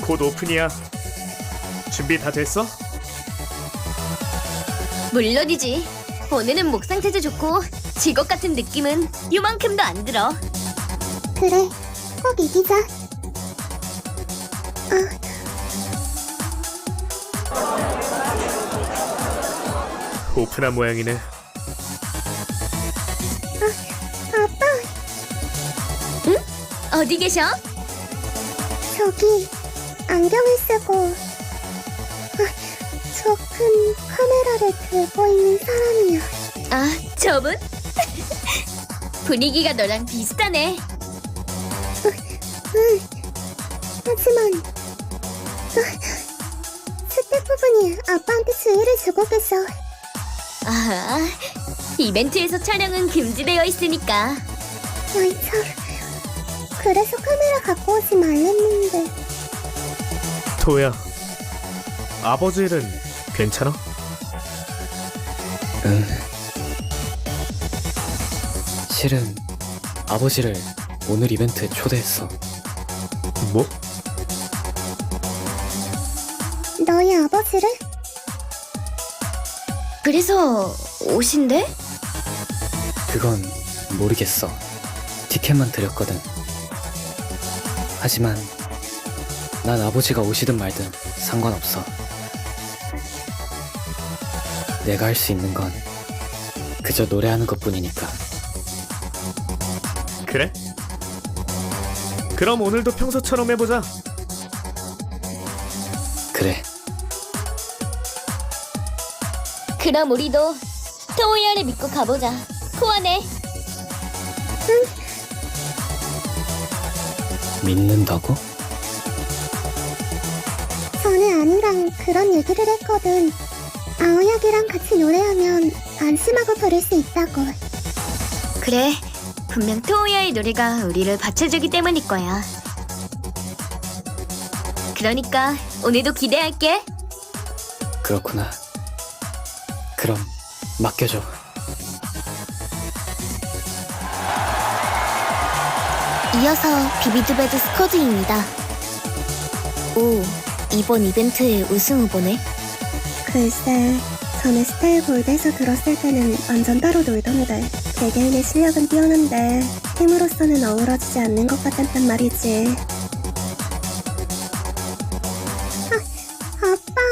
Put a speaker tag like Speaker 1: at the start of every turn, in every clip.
Speaker 1: 곧 오픈이야. 준비 다 됐어?
Speaker 2: 물론이지. 오늘은 목 상태도 좋고 직업 같은 느낌은 요만큼도 안 들어.
Speaker 3: 그래, 꼭 이기자.
Speaker 1: 오픈한 모양이네.
Speaker 3: 아빠,
Speaker 2: 어디 계셔?
Speaker 3: 저기 안경을 쓰고 저 큰 카메라를 들고 있는 사람이야.
Speaker 2: 아, 저분? 분위기가 너랑 비슷하네.
Speaker 3: 하지만 스태프분이 아빠한테 주의를 주고 계셔.
Speaker 2: 아, 이벤트에서 촬영은 금지되어 있으니까.
Speaker 3: 아이 참, 그래서 카메라 갖고 오지 말랬는데.
Speaker 1: 토야, 아버지 일은 괜찮아?
Speaker 4: 응. 실은 아버지를 오늘 이벤트에 초대했어.
Speaker 1: 뭐?
Speaker 3: 너희 아버지를?
Speaker 2: 그래서 오신대?
Speaker 4: 그건 모르겠어. 티켓만 드렸거든. 하지만 난 아버지가 오시든 말든 상관없어. 내가 할 수 있는 건 그저 노래하는 것뿐이니까.
Speaker 1: 그래? 그럼 오늘도 평소처럼 해보자.
Speaker 4: 그래.
Speaker 2: 그럼 우리도 토이어를 믿고 가보자. 코아네.
Speaker 4: 믿는다고?
Speaker 3: 전에 아니랑 그런 얘기를 했거든. 아오야기랑 같이 노래하면 안심하고 부를 수 있다고.
Speaker 2: 그래, 분명 토이어의 노래가 우리를 받쳐주기 때문일 거야. 그러니까 오늘도 기대할게.
Speaker 4: 그렇구나. 그럼 맡겨줘.
Speaker 2: 이어서 비비드베드 스쿼드입니다. 오, 이번 이벤트의 우승 후보네.
Speaker 3: 글쎄, 전에 스타일 골드에서 들었을 때는 완전 따로 놀던데. 개개인의 실력은 뛰어난데 팀으로서는 어우러지지 않는 것 같았단 말이지. 아빠,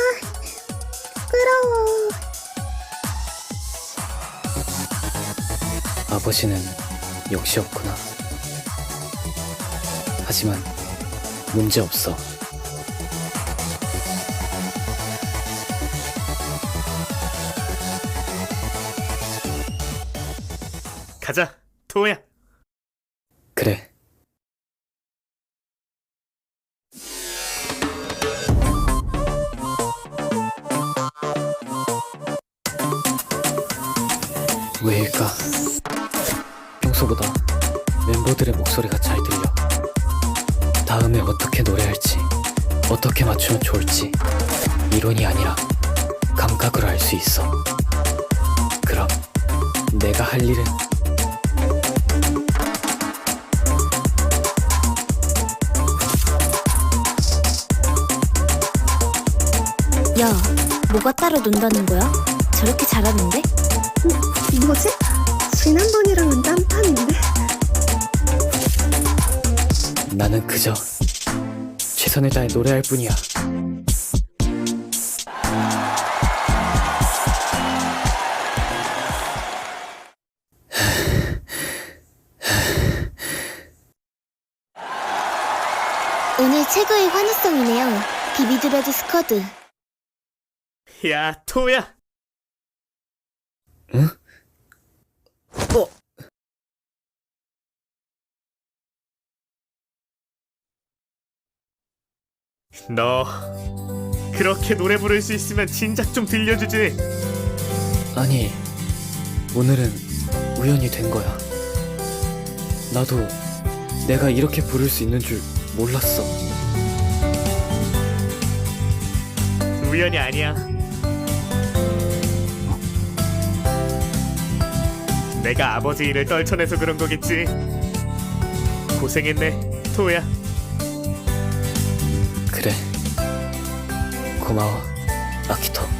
Speaker 3: 부끄러워.
Speaker 4: 아버지는 역시 없구나. 하지만 문제 없어.
Speaker 1: 가자, 토야.
Speaker 4: 그래. 왜일까? 평소보다 멤버들의 목소리가 잘 들려. 다음에 어떻게 노래할지, 어떻게 맞추면 좋을지 이론이 아니라 감각으로 알 수 있어. 그럼 내가 할 일은
Speaker 2: 야, 뭐가 따로 논다는 거야? 저렇게 잘하는데?
Speaker 3: 뭐지? 지난번이랑은 딴판인데?
Speaker 4: 나는 그저 최선을 다해 노래할 뿐이야.
Speaker 2: 오늘 최고의 환희성이네요. 비비드베드 스쿼드.
Speaker 1: 야, 토야.
Speaker 4: 응?
Speaker 1: 너 그렇게 노래 부를 수 있으면 진작 좀 들려주지.
Speaker 4: 아니, 오늘은 우연히 된 거야. 나도 내가 이렇게 부를 수 있는 줄 몰랐어.
Speaker 1: 우연이 아니야. 내가 아버지 일을 떨쳐내서 그런 거겠지. 고생했네, 토야.
Speaker 4: 그래. 고마워, 아키토.